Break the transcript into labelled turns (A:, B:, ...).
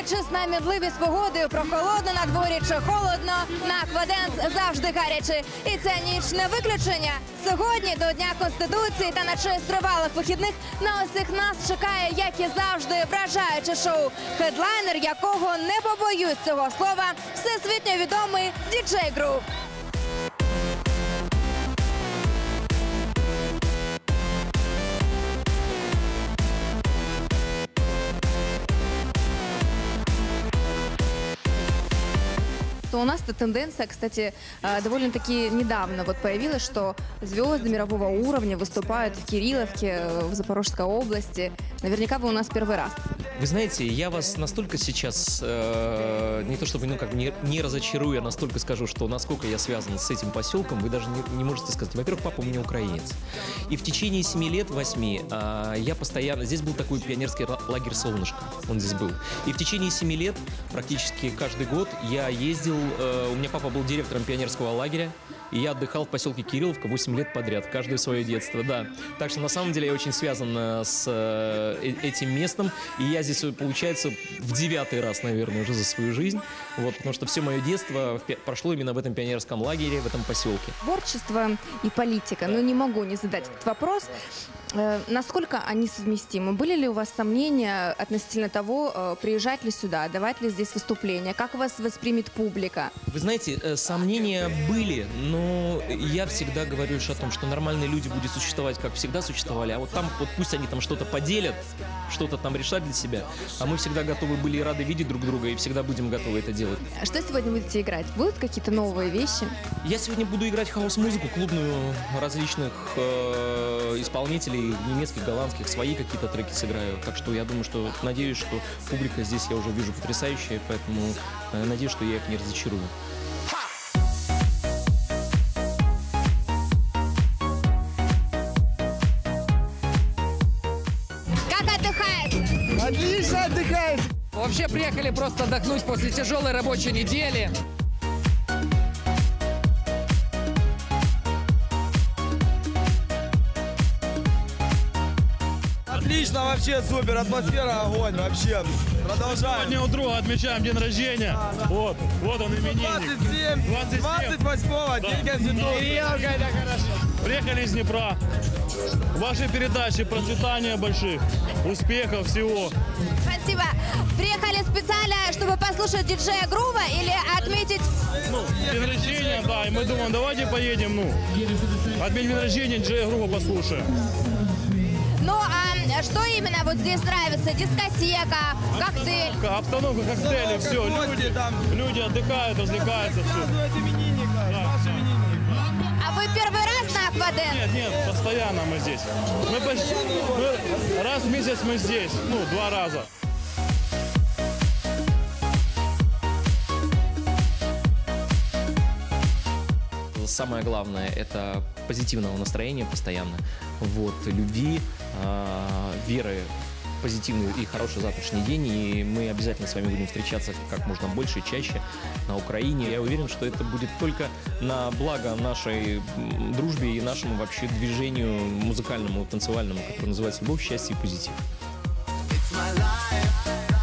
A: дивлячись на мідливість погоди, прохолодно на дворі чи холодно, на Акваденс завжди гаряче. І ця ніч не виключення. Сьогодні до Дня Конституції та на честь тривалих вихідних на усіх нас чекає, як і завжди, вражаюче шоу, хедлайнер якого, не побоюсь цього слова, всесвітньо відомий діджей Грув. У нас эта тенденция, кстати, довольно-таки недавно появилась, что звезды мирового уровня выступают в Кирилловке, в Запорожской области. Наверняка вы у нас первый раз.
B: Вы знаете, я вас настолько сейчас, не то чтобы не разочарую, я настолько скажу, что насколько я связан с этим поселком, вы даже не можете сказать. Во-первых, папа у меня украинец. И в течение 7 лет, 8, я постоянно... Здесь был такой пионерский лагерь «Солнышко», он здесь был. И в течение 7 лет, практически каждый год, я ездил... У меня папа был директором пионерского лагеря, и я отдыхал в поселке Кирилловка 8 лет подряд, каждое свое детство, да. Так что на самом деле я очень связан с этим местом, и я здесь, получается, в 9-й раз, наверное, уже за свою жизнь, вот, потому что все мое детство прошло именно в этом пионерском лагере, в этом поселке.
A: Творчество и политика, но не могу не задать этот вопрос. Насколько они совместимы? Были ли у вас сомнения относительно того, приезжать ли сюда, давать ли здесь выступления, как вас воспримет публика?
B: Вы знаете, сомнения были, но я всегда говорю лишь о том, что нормальные люди будут существовать, как всегда существовали, а вот там, вот пусть они там что-то поделят, что-то там решат для себя, а мы всегда готовы были и рады видеть друг друга, и всегда будем готовы это делать.
A: Что сегодня будете играть? Будут какие-то новые вещи?
B: Я сегодня буду играть хаус-музыку, клубную, различных исполнителей, немецких, голландских, свои какие-то треки сыграю. Так что я думаю, что, надеюсь, что публика здесь я уже вижу потрясающая, поэтому надеюсь, что я их не разочарую.
A: Как отдыхает?
C: Отлично отдыхает!
D: Вообще приехали просто отдохнуть после тяжелой рабочей недели.
C: Отлично, вообще супер, атмосфера огонь, вообще. Продолжаем.
E: Сегодня у друга отмечаем день рождения. Вот он именинник.
C: 28-го, день Конституции.
D: Это хорошо.
E: Приехали из Днепра. Ваши передачи, процветания больших, успехов всего.
A: Спасибо. Приехали специально, чтобы послушать диджея Грува или отметить...
E: День рождения, да, и мы думаем, давайте поедем, отметим день рождения, диджея Грува послушаем.
A: Ну, а что именно вот здесь нравится? Дискотека, коктейль?
E: Обстановка, коктейли, все. Люди отдыхают, развлекаются, все.
A: А вы первый раз на Акваденс?
E: Нет, постоянно мы здесь. Раз в месяц мы здесь, 2 раза.
B: Самое главное – это позитивного настроения постоянно, любви, веры в позитивный и хороший завтрашний день. И мы обязательно с вами будем встречаться как можно больше и чаще на Украине. Я уверен, что это будет только на благо нашей дружбе и нашему вообще движению музыкальному, танцевальному, которое называется «Любовь, счастье и позитив».